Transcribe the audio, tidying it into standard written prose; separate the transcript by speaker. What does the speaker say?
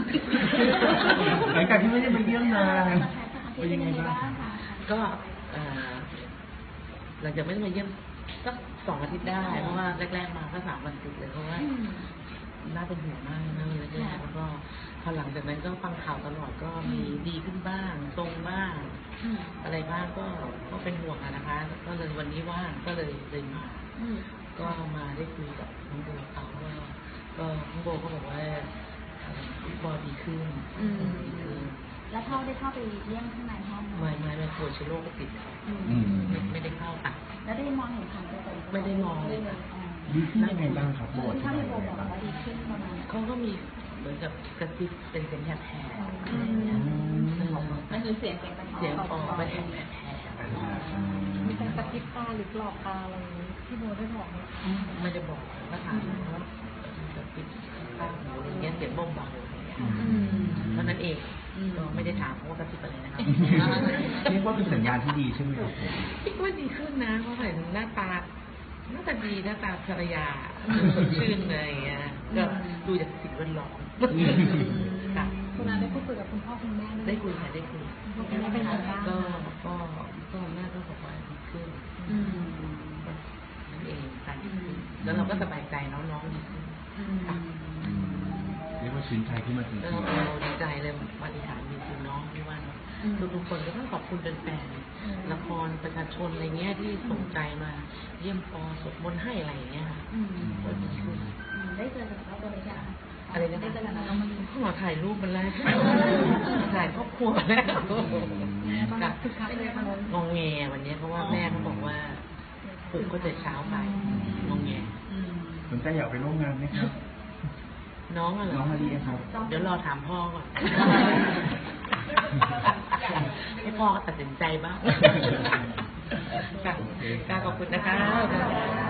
Speaker 1: หลังจากที่ไม่ได้ไปเยี่ยมนานเป็นยังไงบ้าง
Speaker 2: ก็หลังจากไม่ได้มาเยี่ยมสัก2 อาทิตย์ได้เพราะว่าแรกๆมาก็3 วันติดเลยเพราะว่าน่าเป็นห่วงมากนะเลยแล้วก็พอหลังจากนั้นก็ฟังข่าวตลอดก็มีดีขึ้นบ้างตรงบ้างอะไรบ้างก็เป็นห่วงนะคะก็เลยวันนี้ว่างก็เลยมาก็มาได้คุยกับน้องโบเขาว่าก็น้องโบก็บอกว่าบอดีขึ้น
Speaker 3: แล้วพ่อได้เข้าไปเยี่ยมข้างในห้อง
Speaker 2: ไม่โคชโรคก็ติดไม่ได้เข้าตัด
Speaker 3: แล้วได้มองเห็นผ่านตัว
Speaker 2: ไม่ได้มองเลย
Speaker 1: ดีขึ้นยังไงบ้างครับโบที่ไหนบ้าง
Speaker 2: เขาก็มีเหมือนกับกระซิบเป็นเสียงแผล
Speaker 3: มันคือเสียง
Speaker 2: ออกมาแผล
Speaker 3: มีการกระซิบตาหรือหลอกตาอะไรที่โบได้บอกไหม
Speaker 2: ไม่ได้บอกก็ถามว่ากระซิบตาอะไรเงี้ยเสียงเบาๆเท่านั้นเองก็ไม่ได้ถามว่ากระซิบอะไรนะคะ
Speaker 1: เรียกว่าเป็นสัญญาณที่ดีใช่ไหมครับ
Speaker 2: คิดว่าดีขึ้นนะเพราะเห็นหน้าตาดีหน้าตาภรรยาสดชื่นเลยก็ดูจากสิ่งแวดล้อมค่ะ
Speaker 3: คุณอาได้พูดคุยกับคุณพ่อคุณแม่
Speaker 2: ได้คุยค่ะได้คุย
Speaker 3: คุณแม่เป็นยังไงบ้าง
Speaker 2: ก็แม่ก็บอกว่าดีขึ้นนั่นเองค่ะแล้วเราก็สบายใจน้องดีขึ้นค่ะ
Speaker 1: เรียกว่าชื่นใจขึ้นมาจริงๆ
Speaker 2: เราดีใจเลยปฏิหารมีคุณน้องที่ว่าทุกคนก็ต้องขอบคุณแฟนๆละครประชาชนอะไรเงี้ยที่สนใจมาเยี่ยมปอสวดมนต์ให้อะไรเงี้ยค่ะ
Speaker 3: ได้เจอกับเขาตัวเล็ก
Speaker 2: อะไรนะ
Speaker 3: ได้เจอกับน้องมัน
Speaker 2: ขอถ่ายรูปมันแล้วถ่ายครอบครัวแล้วงงแงวันนี้เพราะว่าแม่เขาบอกว่าปลุกก็จะเช้าไปงงแง
Speaker 1: สนใจอยากไปร่วมงานไหมครับ
Speaker 2: น้องอะไร
Speaker 1: น้องมาดีครับ
Speaker 2: เดี๋ยวรอถามพ่อก่อนให้พ่อก็ตัดสินใจบ้างค่ะขอบคุณนะคะ